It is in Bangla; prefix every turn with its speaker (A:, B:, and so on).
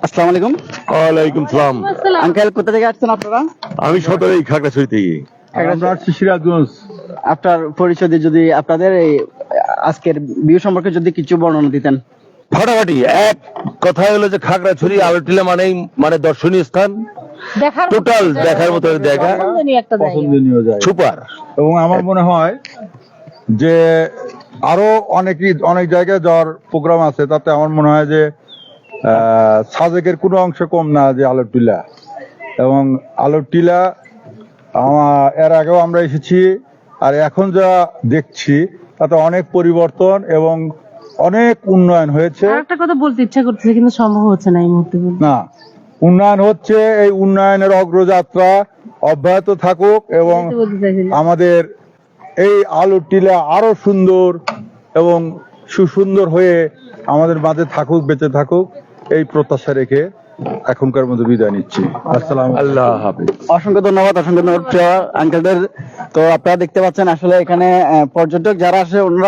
A: আসসালামু আলাইকুম।
B: ওয়ালাইকুম সালাম।
A: আঙ্কেল কোথা থেকে আসছেন আপনারা?
B: আমি সদরেই খাগড়াছড়ি থেকে।
C: আমরা আসছি সিরাজগঞ্জ।
A: আপনার পরিচয় দিয়ে যদি আপনাদের এই আজকের ভিউ সম্পর্কে যদি কিছু বর্ণনা দিতেন।
B: ফাটাফাটি এক কথা হলো যে খাগড়াছড়ি আলোটিলা মানে দর্শনীয় স্থান, টোটাল দেখার মতো জায়গা,
C: পছন্দনীয় জায়গা
B: সুপার।
C: এবং আমার মনে হয় যে আরো অনেক জায়গায় যাওয়ার প্রোগ্রাম আছে, তাতে আমার মনে হয় যে সাজেকের কোনো অংশ কম না, যে আলোর টিলা। এবং আলোর টিলা এর আগেও আমরা এসেছি, আর এখন যা দেখছি তাতে অনেক পরিবর্তন এবং অনেক উন্নয়ন হয়েছে।
D: একটা কথা বলতে ইচ্ছা করতেছে কিন্তু সম্ভব হচ্ছে না এই মুহূর্তে।
C: না, উন্নয়ন হচ্ছে, এই উন্নয়নের অগ্রযাত্রা অব্যাহত থাকুক এবং আমাদের এই আলোর টিলা আরো সুন্দর এবং সুসুন্দর হয়ে আমাদের মাঝে থাকুক, বেঁচে থাকুক, এই প্রত্যাশা রেখে এখনকার মতো বিদায় নিচ্ছি। আসসালাম,
B: আল্লাহ হাফেজ।
A: অসংখ্য ধন্যবাদ প্রিয় আঙ্কেলদের। তো আপনারা দেখতে পাচ্ছেন আসলে এখানে পর্যটক যারা আসে ওনারা